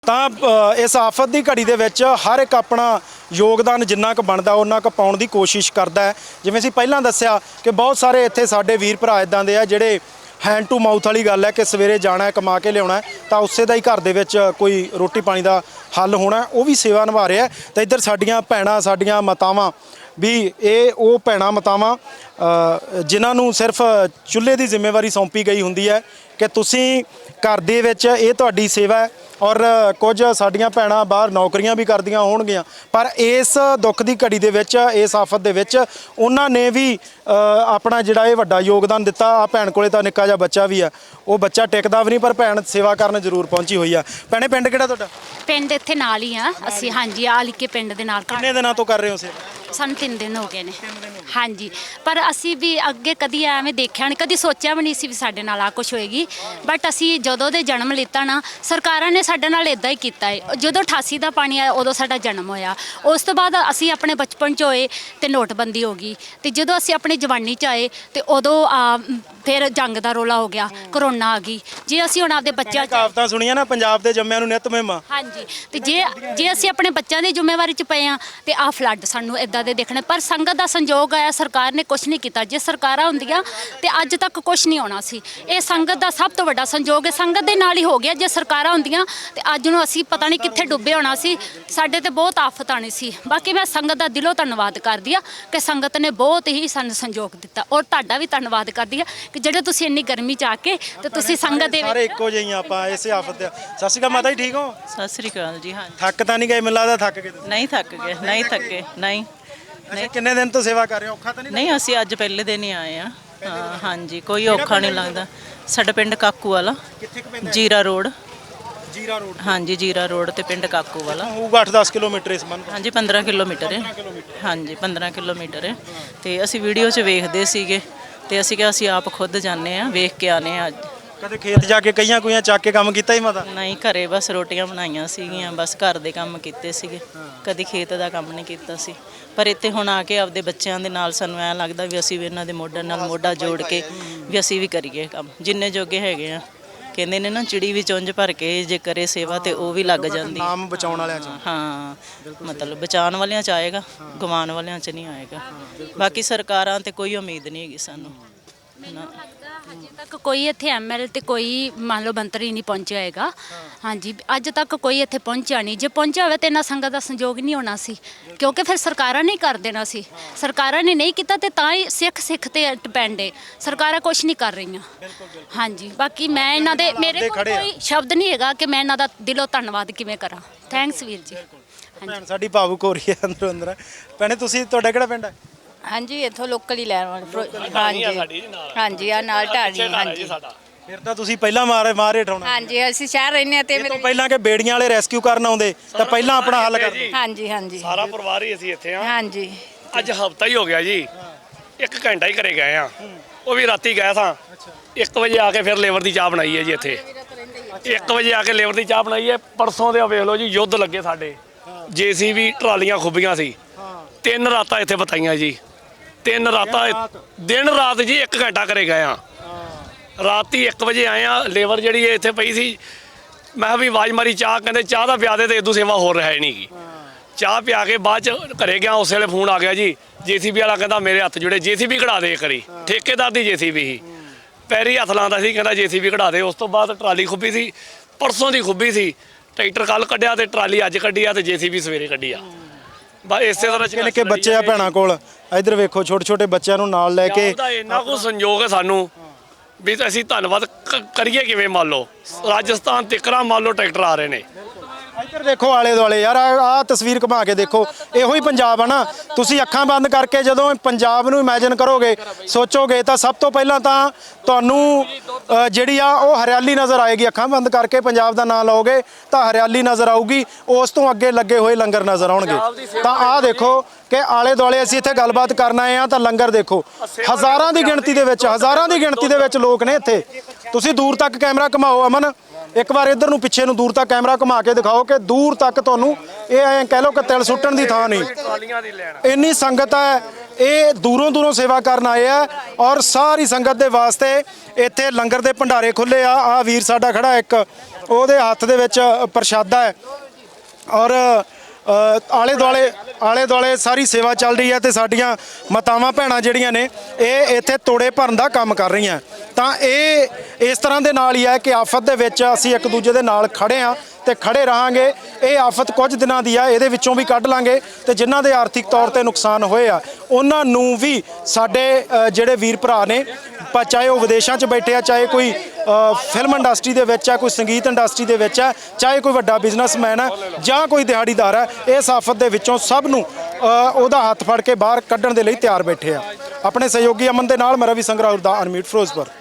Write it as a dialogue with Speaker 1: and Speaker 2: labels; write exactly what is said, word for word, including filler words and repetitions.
Speaker 1: ਤਾਂ ਇਸ ਆਫਤ ਦੀ ਘੜੀ ਦੇ ਵਿੱਚ ਹਰ ਇੱਕ ਆਪਣਾ ਯੋਗਦਾਨ ਜਿੰਨਾ ਕੁ ਬਣਦਾ ਉਹਨਾਂ ਕੁ ਪਾਉਣ ਦੀ ਕੋਸ਼ਿਸ਼ ਕਰਦਾ ਹੈ। ਜਿਵੇਂ ਅਸੀਂ ਪਹਿਲਾਂ ਦੱਸਿਆ ਕਿ ਬਹੁਤ ਸਾਰੇ ਇੱਥੇ ਸਾਡੇ ਵੀਰ ਭਰਾ ਇਦਾਂ ਦੇ ਆ ਜਿਹੜੇ ਹੈਂਡ ਟੂ ਮਾਊਥ ਵਾਲੀ ਗੱਲ ਹੈ ਕਿ ਸਵੇਰੇ ਜਾਣਾ ਹੈ, ਕਮਾ ਕੇ ਲਿਆਉਣਾ ਤਾਂ ਉਸੇ ਦਾ ਹੀ ਘਰ ਦੇ ਵਿੱਚ ਕੋਈ ਰੋਟੀ ਪਾਣੀ ਦਾ ਹੱਲ ਹੋਣਾ, ਉਹ ਵੀ ਸੇਵਾ ਨਿਭਾ ਰਿਹਾ। ਤਾਂ ਇੱਧਰ ਸਾਡੀਆਂ ਭੈਣਾਂ, ਸਾਡੀਆਂ ਮਾਤਾਵਾਂ ਵੀ ਇਹ ਉਹ ਭੈਣਾਂ ਮਾਤਾਵਾਂ ਜਿਨ੍ਹਾਂ ਨੂੰ ਸਿਰਫ ਚੁੱਲ੍ਹੇ ਦੀ ਜ਼ਿੰਮੇਵਾਰੀ ਸੌਂਪੀ ਗਈ ਹੁੰਦੀ ਹੈ ਕਿ ਤੁਸੀਂ ਘਰ ਦੇ ਵਿੱਚ ਇਹ ਤੁਹਾਡੀ ਸੇਵਾ ਹੈ। ਔਰ ਕੁਝ ਸਾਡੀਆਂ ਭੈਣਾਂ ਬਾਹਰ ਨੌਕਰੀਆਂ ਵੀ ਕਰਦੀਆਂ ਹੋਣਗੀਆਂ, ਪਰ ਇਸ ਦੁੱਖ ਦੀ ਘੜੀ ਦੇ ਵਿੱਚ, ਇਸ ਆਫਤ ਦੇ ਵਿੱਚ ਉਹਨਾਂ ਨੇ ਵੀ ਆਪਣਾ ਜਿਹੜਾ ਇਹ ਵੱਡਾ ਯੋਗਦਾਨ ਦਿੱਤਾ। ਆ ਭੈਣ ਕੋਲੇ ਤਾਂ ਨਿੱਕਾ ਜਿਹਾ ਬੱਚਾ ਵੀ ਆ, ਉਹ ਬੱਚਾ ਟਿਕਦਾ ਵੀ ਨਹੀਂ ਪਰ ਭੈਣ ਸੇਵਾ ਕਰਨ ਜ਼ਰੂਰ ਪਹੁੰਚੀ ਹੋਈ ਆ। ਭੈਣੇ ਪਿੰਡ ਕਿਹੜਾ ਤੁਹਾਡਾ?
Speaker 2: ਪਿੰਡ ਇੱਥੇ ਨਾਲ ਹੀ ਆ ਅਸੀਂ। ਹਾਂਜੀ, ਆ ਲਿਕੇ ਪਿੰਡ ਦੇ ਨਾਲ।
Speaker 1: ਕਿੰਨੇ ਦਿਨਾਂ ਤੋਂ ਕਰ ਰਹੇ ਹੋ ਸੇਵਾ?
Speaker 2: ਸਾਨੂੰ ਤਿੰਨ ਦਿਨ ਹੋ ਗਏ ਨੇ। ਹਾਂਜੀ, ਪਰ ਅਸੀਂ ਵੀ ਅੱਗੇ ਕਦੀ ਐਵੇਂ ਦੇਖਿਆ ਨਹੀਂ, ਕਦੀ ਸੋਚਿਆ ਵੀ ਨਹੀਂ ਸੀ ਵੀ ਸਾਡੇ ਨਾਲ ਆ ਕੁਛ ਹੋਏਗੀ। ਬਟ ਅਸੀਂ ਜਦੋਂ ਦੇ ਜਨਮ ਲਿੱਤਾ ਨਾ, ਸਰਕਾਰਾਂ ਨੇ ਸਾਡੇ ਨਾਲ ਇੱਦਾਂ ਹੀ ਕੀਤਾ ਹੈ। ਜਦੋਂ ਅਠਾਸੀ ਦਾ ਪਾਣੀ ਆਇਆ ਉਦੋਂ ਸਾਡਾ ਜਨਮ ਹੋਇਆ। ਉਸ ਤੋਂ ਬਾਅਦ ਅਸੀਂ ਆਪਣੇ ਬਚਪਨ 'ਚ ਹੋਏ ਅਤੇ ਨੋਟਬੰਦੀ ਹੋ ਗਈ, ਅਤੇ ਜਦੋਂ ਅਸੀਂ ਆਪਣੀ ਜਵਾਨੀ 'ਚ ਆਏ ਅਤੇ ਉਦੋਂ ਫਿਰ ਜੰਗ ਦਾ ਰੌਲਾ ਹੋ ਗਿਆ, ਕਰੋਨਾ ਆ ਗਈ। ਜੇ ਅਸੀਂ ਹੁਣ ਆਪਦੇ ਬੱਚਿਆਂ 'ਚ
Speaker 1: ਕਹਾਵਤਾਂ ਸੁਣੀਆਂ ਨਾ, ਪੰਜਾਬ ਦੇ ਜੰਮਿਆਂ ਨੂੰ ਨਿੱਤ ਮਹਿਮਾ। ਹਾਂਜੀ,
Speaker 2: ਅਤੇ ਜੇ ਜੇ ਅਸੀਂ ਆਪਣੇ ਬੱਚਿਆਂ ਦੀ ਜ਼ਿੰਮੇਵਾਰੀ 'ਚ ਪਏ ਹਾਂ ਅਤੇ ਆਹ ਫਲੱਡ ਸਾਨੂੰ ਇੱਦਾਂ ਦੇ ਦੇਖਣੇ। ਪਰ ਸੰਗਤ ਦਾ ਸੰਯੋਗ ਆਇਆ, ਸਰਕਾਰ ਨੇ ਕੁਛ ਨਹੀਂ ਕੀਤਾ। ਜੇ ਸਰਕਾਰਾਂ ਹੁੰਦੀਆਂ ਤੇ ਅੱਜ ਤੱਕ ਕੁਛ ਨਹੀਂ ਹੋਣਾ ਸੀ। ਇਹ ਸੰਗਤ ਦਾ ਸਭ ਤੋਂ ਵੱਡਾ ਸੰਯੋਗ ਹੈ, ਸੰਗਤ ਦੇ ਨਾਲ ਹੀ ਹੋ ਗਿਆ। ਜੇ ਸਰਕਾਰਾਂ ਹੁੰਦੀਆਂ ਤੇ ਅੱਜ ਨੂੰ ਅਸੀਂ ਪਤਾ ਨਹੀਂ ਕਿੱਥੇ ਡੁੱਬੇ ਹੋਣਾ ਸੀ, ਸਾਡੇ ਤੇ ਬਹੁਤ ਆਫਤ ਆਣੀ ਸੀ। ਬਾਕੀ ਮੈਂ ਸੰਗਤ ਦਾ ਦਿਲੋਂ ਧੰਨਵਾਦ ਕਰਦੀ ਆ ਕਿ ਸੰਗਤ ਨੇ ਬਹੁਤ ਹੀ ਸਾਨੂੰ ਸੰਯੋਗ ਦਿੱਤਾ। ਔਰ ਤੁਹਾਡਾ ਵੀ ਧੰਨਵਾਦ ਕਰਦੀ ਆ ਕਿ ਜਿਹੜੇ ਤੁਸੀਂ ਇੰਨੀ ਗਰਮੀ 'ਚ ਆ ਕੇ ਤੇ ਤੁਸੀਂ ਸੰਗਤ ਦੇ
Speaker 1: ਸਾਰੇ ਇੱਕੋ ਜਿਹੀਆਂ ਆਪਾਂ ਇਸੇ ਆਫਤ ਦੇ। ਸਤਿ ਸ਼੍ਰੀ ਅਕਾਲ ਮਾਤਾ ਜੀ, ਠੀਕ ਹੋ?
Speaker 3: ਸਤਿ ਸ੍ਰੀ ਅਕਾਲ ਜੀ। ਹਾਂ,
Speaker 1: ਥੱਕ ਤਾਂ ਨਹੀਂ ਗਏ? ਮੈਨੂੰ ਲੱਗਦਾ ਥੱਕ ਗਏ।
Speaker 3: ਨਹੀਂ ਥੱਕ ਗਏ, ਨਹੀਂ ਥੱਕੇ, ਨਹੀਂ
Speaker 1: ਨਹੀਂ। ਕਿੰਨੇ ਦਿਨ ਤੋਂ ਸੇਵਾ ਕਰ ਰਹੇ ਹੋ? ਔਖਾ ਤਾਂ ਨਹੀਂ?
Speaker 3: ਨਹੀਂ, ਅਸੀਂ ਅੱਜ ਪਹਿਲੇ ਦਿਨ ਹੀ ਆਏ ਆ। ਹਾਂ, ਹਾਂਜੀ, ਕੋਈ ਔਖਾ ਨਹੀਂ ਲੱਗਦਾ। ਸਾਡਾ ਪਿੰਡ ਕਾਕੂ ਵਾਲਾ, ਜੀਰਾ ਰੋਡ।
Speaker 1: ਜੀਰਾ ਰੋਡ? ਹਾਂਜੀ,
Speaker 3: ਜੀਰਾ ਰੋਡ ਤੇ ਪਿੰਡ ਕਾਕੂ ਵਾਲਾ
Speaker 1: ਹੋਊਗਾ ਅੱਠ ਦਸ ਕਿਲੋਮੀਟਰ ਇਸ ਬੰਨ।
Speaker 3: ਹਾਂਜੀ, ਪੰਦਰਾਂ ਕਿਲੋਮੀਟਰ ਹੈ। ਹਾਂਜੀ, ਪੰਦਰਾਂ ਕਿਲੋਮੀਟਰ ਹੈ। ਤੇ ਅਸੀਂ ਵੀਡੀਓ 'ਚ ਵੇਖਦੇ ਸੀਗੇ ਤੇ ਅਸੀਂ ਕਿਹਾ ਅਸੀਂ ਆਪ ਖੁਦ ਜਾਂਦੇ ਆ, ਵੇਖ ਕੇ ਆਨੇ ਆ। ਅੱਜ
Speaker 1: ਕਦੇ ਖੇਤ ਜਾ ਕੇ ਕਈਆਂ ਕੋਈਆਂ ਚੱਕ ਕੇ ਕੰਮ ਕੀਤਾ ਹੀ ਮਾਤਾ?
Speaker 3: ਨਹੀਂ, ਘਰੇ ਬਸ ਰੋਟੀਆਂ ਬਣਾਈਆਂ ਸੀਗੀਆਂ, ਬਸ ਘਰ ਦੇ ਕੰਮ ਕੀਤੇ ਸੀਗੇ, ਕਦੀ ਖੇਤ ਦਾ ਕੰਮ ਨਹੀਂ ਕੀਤਾ ਸੀ। ਪਰ ਇੱਥੇ ਹੁਣ ਆ ਕੇ ਆਪਦੇ ਬੱਚਿਆਂ ਦੇ ਨਾਲ ਸਾਨੂੰ ਐਂ ਲੱਗਦਾ ਵੀ ਅਸੀਂ ਵੀ ਇਹਨਾਂ ਦੇ ਮੋਢੇ ਨਾਲ ਮੋਢਾ ਜੋੜ ਕੇ ਵੀ ਅਸੀਂ ਵੀ ਕਰੀਏ ਕੰਮ, ਜਿੰਨੇ ਜੋਗੇ ਹੈਗੇ ਆ। ਕਹਿੰਦੇ ਨੇ ਨਾ, ਚਿੜੀ ਵੀ ਚੁੰਝ ਭਰ ਕੇ ਜੇ ਕਰੇ ਸੇਵਾ ਤੇ ਉਹ ਵੀ ਲੱਗ ਜਾਂਦੀ।
Speaker 1: ਨਾਮ ਬਚਾਉਣ ਵਾਲਿਆਂ 'ਚ।
Speaker 3: ਹਾਂ, ਮਤਲਬ ਬਚਾਉਣ ਵਾਲਿਆਂ 'ਚ ਆਏਗਾ, ਗਵਾਉਣ ਵਾਲਿਆਂ 'ਚ ਨਹੀਂ ਆਏਗਾ। ਬਾਕੀ ਸਰਕਾਰਾਂ ਤੇ ਕੋਈ ਉਮੀਦ ਨਹੀਂ ਹੈਗੀ ਸਾਨੂੰ।
Speaker 2: ਅਜੇ ਤੱਕ ਕੋਈ ਇੱਥੇ ਐਮ ਐਲ ਤੇ ਕੋਈ ਮੰਨ ਲਓ ਮੰਤਰੀ ਨਹੀਂ ਪਹੁੰਚਿਆ ਹੈਗਾ। ਹਾਂਜੀ, ਅੱਜ ਤੱਕ ਕੋਈ ਇੱਥੇ ਪਹੁੰਚਿਆ ਨਹੀਂ। ਜੇ ਪਹੁੰਚਿਆ ਹੋਵੇ ਤਾਂ ਇੰਨਾ ਸੰਗਤ ਦਾ ਸੰਯੋਗ ਨਹੀਂ ਹੋਣਾ ਸੀ, ਕਿਉਂਕਿ ਫਿਰ ਸਰਕਾਰਾਂ ਨੇ ਕਰ ਦੇਣਾ ਸੀ। ਸਰਕਾਰਾਂ ਨੇ ਨਹੀਂ ਕੀਤਾ ਤੇ ਤਾਂ ਹੀ ਸਿੱਖ ਸਿੱਖ ਤੇ ਡਿਪੈਂਡ ਹੈ। ਸਰਕਾਰਾਂ ਕੁਛ ਨਹੀਂ ਕਰ ਰਹੀਆਂ। ਹਾਂਜੀ, ਬਾਕੀ ਮੈਂ ਇਹਨਾਂ ਦੇ, ਮੇਰੇ ਕੋਲ ਕੋਈ ਸ਼ਬਦ ਨਹੀਂ ਹੈਗਾ ਕਿ ਮੈਂ ਇਹਨਾਂ ਦਾ ਦਿਲੋਂ ਧੰਨਵਾਦ ਕਿਵੇਂ ਕਰਾਂ। ਥੈਂਕਸ ਵੀਰ ਜੀ।
Speaker 1: ਭੈਣ ਸਾਡੀ ਭਾਵੁਕ ਹੋ ਰਹੀ ਹੈ ਅੰਦਰੋਂ ਅੰਦਰ। ਭੈਣੇ ਤੁਸੀਂ, ਤੁਹਾਡਾ ਕਿਹੜਾ ਪਿੰਡ ਹੈ?
Speaker 4: ਹਾਂਜੀ, ਇੱਥੋਂ ਲੋਕਲ ਹੀ ਲੈਣ ਵਾਲੇ। ਹਾਂਜੀ ਹਾਂਜੀ, ਆ ਨਾਲ ਢਾਣੀ। ਹਾਂਜੀ,
Speaker 1: ਫਿਰ ਤਾਂ ਤੁਸੀਂ ਪਹਿਲਾਂ ਮਾਰੇ ਮਾਰੇ ਠਾਉਣਾ।
Speaker 4: ਹਾਂਜੀ, ਅਸੀਂ ਸ਼ਹਿਰ ਰਹਿੰਦੇ ਆ ਤੇ
Speaker 1: ਮੇਰੇ ਪਹਿਲਾਂ ਕਿ ਬੇੜੀਆਂ ਵਾਲੇ ਰੈਸਕਿਊ ਕਰਨ ਆਉਂਦੇ ਤਾਂ ਪਹਿਲਾਂ ਆਪਣਾ ਹੱਲ ਕਰਦੇ।
Speaker 4: ਹਾਂਜੀ ਹਾਂਜੀ,
Speaker 5: ਸਾਰਾ ਪਰਿਵਾਰ ਹੀ ਅਸੀਂ ਇੱਥੇ ਆ। ਹਾਂਜੀ,
Speaker 4: ਅੱਜ
Speaker 5: ਹਫਤਾ ਹੀ ਹੋ ਗਿਆ ਜੀ। ਇੱਕ ਘੰਟਾ ਹੀ ਘਰੇ ਗਏ ਆ, ਉਹ ਵੀ ਰਾਤੀ ਗਏ ਸਾਂ। ਇੱਕ ਵਜੇ ਆ ਕੇ ਫਿਰ ਲੇਬਰ ਦੀ ਚਾਹ ਬਣਾਈ ਹੈ ਜੀ ਇੱਥੇ। ਇੱਕ ਵਜੇ ਆ ਕੇ ਲੇਬਰ ਦੀ ਚਾਹ ਬਣਾਈ ਹੈ। ਪਰਸੋਂ ਦੇ ਵੇਖ ਲਓ ਜੀ, ਯੁੱਧ ਲੱਗੇ ਸਾਡੇ। ਜੇਸੀਬੀ ਟਰਾਲੀਆਂ ਖੁੱਬੀਆਂ ਸੀ। ਤਿੰਨ ਰਾਤਾਂ ਇੱਥੇ ਬਤਾਈਆਂ ਜੀ, ਤਿੰਨ ਰਾਤਾਂ, ਦਿਨ ਰਾਤ ਜੀ। ਇੱਕ ਘੰਟਾ ਘਰੇ ਗਏ ਆ, ਰਾਤੀ ਇੱਕ ਵਜੇ ਆਏ ਆ। ਲੇਬਰ ਜਿਹੜੀ ਇੱਥੇ ਪਈ ਸੀ, ਮੈਂ ਵੀ ਆਵਾਜ਼ ਮਾਰੀ ਚਾਹ, ਕਹਿੰਦੇ ਚਾਹ ਦਾ ਪਿਆ ਦੇ ਤੇ ਇਦੋਂ ਸੇਵਾ ਹੋਰ ਹੈ ਨਹੀਂ ਗੀ। ਚਾਹ ਪਿਆ ਕੇ ਬਾਅਦ ਚ ਘਰੇ ਗਿਆ, ਉਸ ਵੇਲੇ ਫੋਨ ਆ ਗਿਆ ਜੀ ਜੇਸੀਬੀ ਵਾਲਾ, ਕਹਿੰਦਾ ਮੇਰੇ ਹੱਥ ਜੁੜੇ, ਜੇਸੀਬੀ ਕਢਾ ਦੇ ਕਰੀ। ਠੇਕੇਦਾਰ ਦੀ ਜੇਸੀਬੀ ਸੀ, ਪੈਰੀ ਹੱਥ ਲਾਉਂਦਾ ਸੀ, ਕਹਿੰਦਾ ਜੇਸੀਬੀ ਕਢਾ ਦੇ। ਉਸ ਤੋਂ ਬਾਅਦ ਟਰਾਲੀ ਖੁੱਬੀ ਸੀ, ਪਰਸੋਂ ਦੀ ਖੁੱਬੀ ਸੀ। ਟਰੈਕਟਰ ਕੱਲ ਕੱਢਿਆ ਤੇ ਟਰਾਲੀ ਅੱਜ ਕੱਢੀ ਆ ਤੇ ਜੇਸੀਬੀ ਸਵੇਰੇ ਕੱਢੀ ਆ। ਬਸ ਇਸੇ ਤਰ੍ਹਾਂ
Speaker 1: ਨਿੱਕੇ ਨਿੱਕੇ ਬੱਚੇ ਆ ਭੈਣਾਂ ਕੋਲ, ਇੱਧਰ ਵੇਖੋ ਛੋਟੇ ਛੋਟੇ ਬੱਚਿਆਂ ਨੂੰ ਨਾਲ ਲੈ ਕੇ।
Speaker 5: ਇੰਨਾ ਕੁ ਸੰਯੋਗ ਹੈ ਸਾਨੂੰ ਵੀ ਅਸੀਂ ਧੰਨਵਾਦ ਕਰੀਏ ਕਿਵੇਂ। ਮੰਨ ਲਓ ਰਾਜਸਥਾਨ ਤਿੱਕਰਾਂ ਮੰਨ ਲਓ ਟਰੈਕਟਰ ਆ ਰਹੇ ਨੇ।
Speaker 1: ਇੱਧਰ ਦੇਖੋ ਆਲੇ ਦੁਆਲੇ ਯਾਰ, ਆਹ ਤਸਵੀਰ ਘੁਮਾ ਕੇ ਦੇਖੋ, ਇਹੋ ਹੀ ਪੰਜਾਬ ਆ ਨਾ। ਤੁਸੀਂ ਅੱਖਾਂ ਬੰਦ ਕਰਕੇ ਜਦੋਂ ਪੰਜਾਬ ਨੂੰ ਇਮੇਜਿਨ ਕਰੋਗੇ, ਸੋਚੋਗੇ ਤਾਂ ਸਭ ਤੋਂ ਪਹਿਲਾਂ ਤਾਂ ਤੁਹਾਨੂੰ ਜਿਹੜੀ ਆ ਉਹ ਹਰਿਆਲੀ ਨਜ਼ਰ ਆਏਗੀ। ਅੱਖਾਂ ਬੰਦ ਕਰਕੇ ਪੰਜਾਬ ਦਾ ਨਾਂ ਲਓਗੇ ਤਾਂ ਹਰਿਆਲੀ ਨਜ਼ਰ ਆਊਗੀ, ਉਸ ਤੋਂ ਅੱਗੇ ਲੱਗੇ ਹੋਏ ਲੰਗਰ ਨਜ਼ਰ ਆਉਣਗੇ। ਤਾਂ ਆਹ ਦੇਖੋ ਕਿ ਆਲੇ ਦੁਆਲੇ ਅਸੀਂ ਇੱਥੇ ਗੱਲਬਾਤ ਕਰਨ ਆਏ ਆ ਤਾਂ ਲੰਗਰ ਦੇਖੋ, ਹਜ਼ਾਰਾਂ ਦੀ ਗਿਣਤੀ ਦੇ ਵਿੱਚ, ਹਜ਼ਾਰਾਂ ਦੀ ਗਿਣਤੀ ਦੇ ਵਿੱਚ ਲੋਕ ਨੇ ਇੱਥੇ। ਤੁਸੀਂ ਦੂਰ ਤੱਕ ਕੈਮਰਾ ਘੁਮਾਓ ਅਮਨ, ਇੱਕ ਵਾਰ ਇੱਧਰ ਨੂੰ ਪਿੱਛੇ ਨੂੰ ਦੂਰ ਤੱਕ ਕੈਮਰਾ ਘੁਮਾ ਕੇ ਦਿਖਾਓ ਕਿ ਦੂਰ ਤੱਕ ਤੁਹਾਨੂੰ ਇਹ ਐਂ ਕਹਿ ਲਓ ਕਿ ਤਿਲ ਸੁੱਟਣ ਦੀ ਥਾਂ ਨਹੀਂ। ਇੰਨੀ ਸੰਗਤ ਹੈ, ਇਹ ਦੂਰੋਂ ਦੂਰੋਂ ਸੇਵਾ ਕਰਨ ਆਏ ਆ। ਔਰ ਸਾਰੀ ਸੰਗਤ ਦੇ ਵਾਸਤੇ ਇੱਥੇ ਲੰਗਰ ਦੇ ਭੰਡਾਰੇ ਖੁੱਲੇ ਆ। ਆ ਵੀਰ ਸਾਡਾ ਖੜਾ ਇੱਕ, ਉਹਦੇ ਹੱਥ ਦੇ ਵਿੱਚ ਪ੍ਰਸ਼ਾਦਾ ਹੈ ਔਰ ਅ, ਆਲੇ ਦੁਆਲੇ ਆਲੇ ਦੁਆਲੇ ਸਾਰੀ ਸੇਵਾ ਚੱਲ ਰਹੀ ਹੈ ਤੇ ਸਾਡੀਆਂ ਮਾਤਾਵਾਂ ਭੈਣਾਂ ਜਿਹੜੀਆਂ ਨੇ ਇਹ ਇੱਥੇ ਤੋੜੇ ਭਰਨ ਦਾ ਕੰਮ ਕਰ ਰਹੀਆਂ। ਤਾਂ ਇਹ ਇਸ ਤਰ੍ਹਾਂ ਦੇ ਨਾਲ ਹੀ ਹੈ ਕਿ ਆਫਤ ਦੇ ਵਿੱਚ ਅਸੀਂ ਇੱਕ ਦੂਜੇ ਦੇ ਨਾਲ ਖੜੇ ਹਾਂ ਤੇ ਖੜੇ ਰਹਾਂਗੇ। ਇਹ ਆਫਤ ਕੁਝ ਦਿਨਾਂ ਦੀ ਆ, ਇਹਦੇ ਵਿੱਚੋਂ ਵੀ ਕੱਢ ਲਾਂਗੇ ਤੇ ਜਿਨ੍ਹਾਂ ਦੇ ਆਰਥਿਕ ਤੌਰ ਤੇ ਨੁਕਸਾਨ ਹੋਏ ਆ ਉਹਨਾਂ ਨੂੰ ਵੀ ਸਾਡੇ ਅ, ਜਿਹੜੇ ਵੀਰ ਭਰਾ ਨੇ ਪ- ਚਾਹੇ ਉਹ ਵਿਦੇਸ਼ਾਂ 'ਚ ਬੈਠੇ ਆ, ਚਾਹੇ ਕੋਈ ਅ, ਫਿਲਮ ਇੰਡਸਟਰੀ ਦੇ ਵਿੱਚ ਆ, ਕੋਈ ਸੰਗੀਤ ਇੰਡਸਟਰੀ ਦੇ ਵਿੱਚ ਆ, ਚਾਹੇ ਕੋਈ ਵੱਡਾ ਬਿਜ਼ਨਸਮੈਨ ਹੈ ਜਾਂ ਕੋਈ ਦਿਹਾੜੀਦਾਰ ਹੈ, ਇਸ ਆਫਤ ਦੇ ਵਿੱਚੋਂ ਸਭ ਨੂੰ ਅ, ਉਹਦਾ ਹੱਥ ਫੜ ਕੇ ਬਾਹਰ ਕੱਢਣ ਦੇ ਲਈ ਤਿਆਰ ਬੈਠੇ ਆ। ਆਪਣੇ ਸਹਿਯੋਗੀ ਅਮਨ ਦੇ ਨਾਲ ਮੈਂ ਰਵੀ ਸੰਗਰਾਉਰ ਦਾ ਅਨਮਿਊਟ ਫਿਰੋਜ਼ਪੁਰ।